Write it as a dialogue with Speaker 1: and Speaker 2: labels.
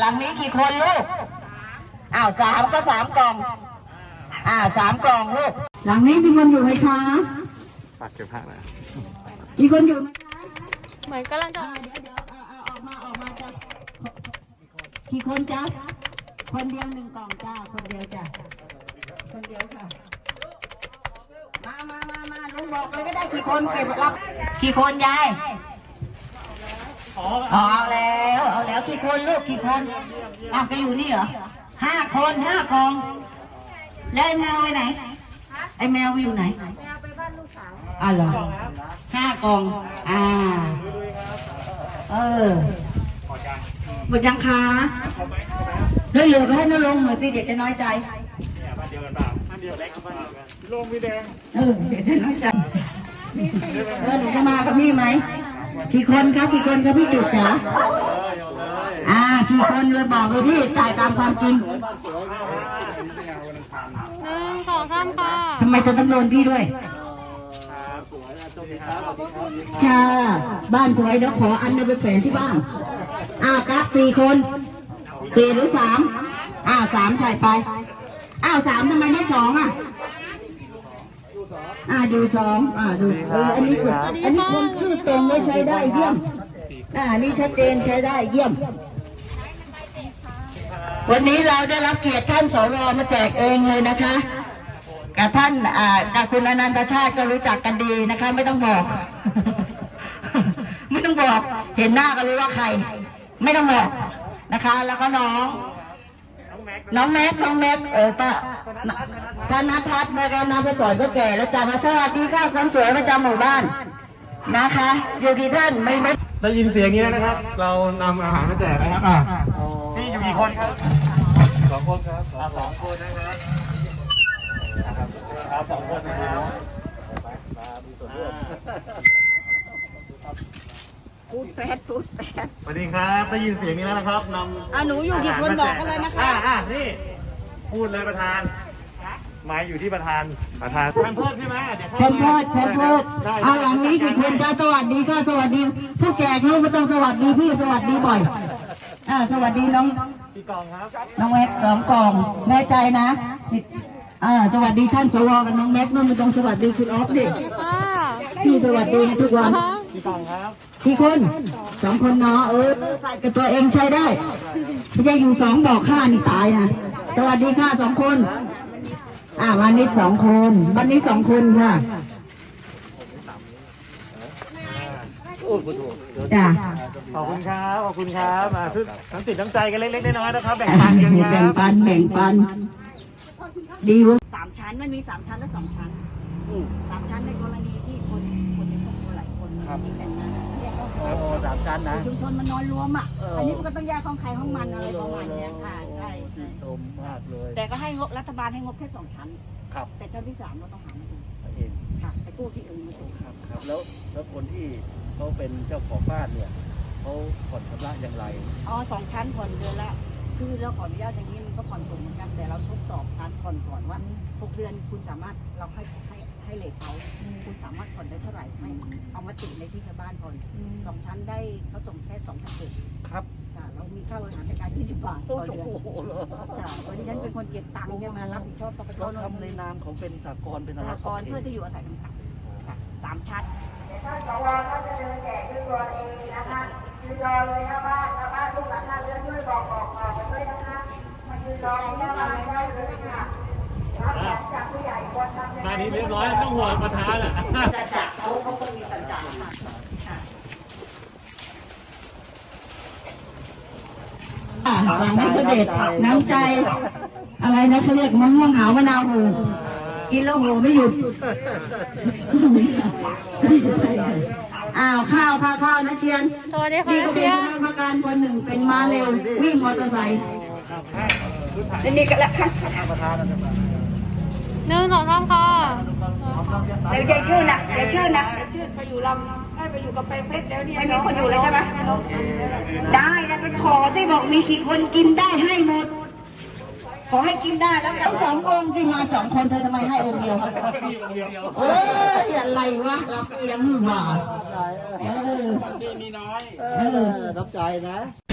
Speaker 1: หลังนี้กี่คนลูกสามก็3 กล่อง3 กล่องลูกหลังนี้มีคนอยู่ไหมคะ
Speaker 2: ฝากเก็บผ้าหน่อย
Speaker 1: มีคนอยู่ไหมคะ
Speaker 3: เหมือนกำลังจะ
Speaker 1: เดี๋ยวออกมาจ้ะกี่คนจ้ะคนเดียว1 กล่องจ้าคนเดียวจ้ะคนเดียวค่ะมาลุงบอกเลยก็ได้กี่คนเก็บรับกี่คนยายเอาแล้วกี่คนลูกกี่คนแกอยู่นี่เหรอ5 คน5 กล่องแล้วไอ้แมวไปไหนไอ้แมวไปอยู่ไหน
Speaker 3: แมวไปบ้านลูกสาว
Speaker 1: เหรอ5 กล่องหมดยังคะเหลือไปให้น้าลงหน่อยสิเดี๋ยวจะน้อยใจ
Speaker 2: บ้านเดียวกันเปล่าบ้านเดียวเล็กบ้านเดียวกันลงพี่แดง
Speaker 1: เดี๋ยวจะน้อยใจหนูจะมากับพี่ไหมกี่คนครับพี่จุดจ๋ากี่คนเลยบอกเลยพี่จ่ายตามความจริง
Speaker 3: 1 2 3ค่ะ
Speaker 1: ทำไมจะต้องโดนพี่ด้วยค่ะบ้านสวยเดี๋ยวขออันไปแฝงที่บ้านกัก4 คน4 หรือ 33ใส่ไป3ทำไมไม่2ดู2ดูอันนี้คนชื่อตรงไม่ใช้ได้เยี่ยมนี่ชัดเจนใช้ได้เยี่ยมวันนี้เราได้รับเกียรติท่านสรมาแจกเองเลยนะคะกับท่านกับคุณอนันตชาติก็รู้จักกันดีนะคะไม่ต้องบอก ไม่ต้องบอกเห็นหน้าก็รู้ว่าใครไม่ต้องบอกนะคะแล้วก็น้องแม็กป้าธนทัศน์มาการนำไปสอนก็แก่แล้วจำมาสวัสดีค่ะคนสวยประจำหมู่บ้านนะคะอยู่ที่ท่านไม่
Speaker 2: ได้ยินเสียงนี้นะครับเรานำอาหารมาแจกนะครับนี่อยู่กี่คนครับ2 คนครับ2 คนนะครับ2 คนนะครับมีส่วนร่วม
Speaker 1: พูดแปด
Speaker 2: สวัสดีครับได้ยินเสียงนี้แล้วนะครับนำ
Speaker 1: หนูอยู่กี่คนบอกกันเลยนะคะ
Speaker 2: นี่พูดเลยประธานหมายอยู่ที่ประธานแพมเพิร์สใช่ไหมเดี๋ยวแพมเพิร์
Speaker 1: สหลังนี้กี่คนจ้าสวัสดีค่ะสวัสดีผู้แจกลูกไม่ต้องสวัสดีพี่สวัสดีบ่อยสวัสดีน้อง
Speaker 2: กี่กล่องครับ
Speaker 1: น้องแม็ก2 กล่องแน่ใจนะสวัสดีท่านสวกับน้องแม็กนู่นไม่ต้องสวัสดีคุณออฟดิพี่สวัสดีทุกวัน
Speaker 2: กี่กล่องครับ
Speaker 1: กี่คน2 คนเนาะใส่กับตัวเองใช้ได้ไม่ใช่อยู่2บอก5นี่ตายนะสวัสดีค่ะ2 คนวันนี้2 คนวันนี้2 คนค่ะจ้า
Speaker 2: ขอบคุณครับมาทุกน้ำติดน้ำใจกันเล็กๆน้อยๆนะครับแบ่งปันกันครับ
Speaker 1: แบ่งปันดีวะ3 ชั้นมันมี3 ชั้นและ2 ชั้น3 ชั้นในกรณีที่คนในครอบครัวหลายคนมีแต่งงาน
Speaker 2: 3 ชั้นนะ
Speaker 1: ชุมชนมันนอนรวมอันนี้มันก็ต้องแยกห้องใครห้องมันอะไรประมาณนี้ค่ะใช่
Speaker 2: ชมมากเลย
Speaker 1: แต่ก็ให้งบรัฐบาลให้งบแค่2 ชั้น
Speaker 2: ครับ
Speaker 1: แต่ชั้นที่3เราต้องหามา
Speaker 2: เอง
Speaker 1: ค่ะไปกู้ที่อื่นมาสูง
Speaker 2: ครับแล้วคนที่เขาเป็นเจ้าของบ้านเนี่ยเขาผ่อนชำระอย่างไร
Speaker 1: 2 ชั้นผ่อนเดือนละคือเราขออนุญาตอย่างนี้มันก็ผ่อนสูงเหมือนกันแต่เราทดสอบการผ่อนก่อนว่า6 เดือนคุณสามารถเราให้เลทเขาคุณสามารถผ่อนได้เท่าไหร่ให้เอามาติดในที่ชาวบ้านผ่อน2 ชั้นได้เขาส่งแค่2,000
Speaker 2: ครับ
Speaker 1: เรามีค่าบริหารจัดการ20 บาทต่อเดือนวันนี้ฉันเป็นคนเก็บตังค์เนี่ยมารับผิดชอบต้องไป
Speaker 2: ทำในนามของเป็นสหกรณ์เป็น
Speaker 1: สหกรณ์เพื่อที่อยู่อาศัยต่างๆ3 ชั้นท่านสวก็จะเดินแจกด้วยตัวเองนะคะยืนรอเลยนะบ้านทุกหลังคาเรือนด้วยบอกกันด้วยนะคะมายืนรอในหน้าบ้านได้เลยค่ะรับจากผู้ใหญ่คนทำ
Speaker 2: งานนี้เรียบร้อยต้องห่วงประธาน
Speaker 1: จัดเขาก็มีสัญญาหลังนี้ก็เด็ดน้ำใจอะไรนะเขาเรียกมะม่วงหาวมะนาวหูกินแล้วหูไม่หยุดข้าวนะเชียน
Speaker 3: สวัสดีค่ะเชียน
Speaker 1: ประการคนหนึ่งเป็นม้าเร็ววิ่งมอเตอร์ไซค์นี่กันแล้วค่ะ
Speaker 3: 1 2 3ค่ะ
Speaker 1: เดี๋ยวชื่อนะไปอยู่ลำให้ไปอยู่กับไปเพชรแล้วเนี่ยไม่มีคนอยู่เลยใช่ไหมได้แล้วไปขอสิบอกมีกี่คนกินได้ให้หมดขอให้กินได้แล้วกัน2 องค์ที่มา2 คนเธอทำไมให้องค์เดียวอะไรวะเรายังหวาน
Speaker 2: มีน้อยรับใจนะ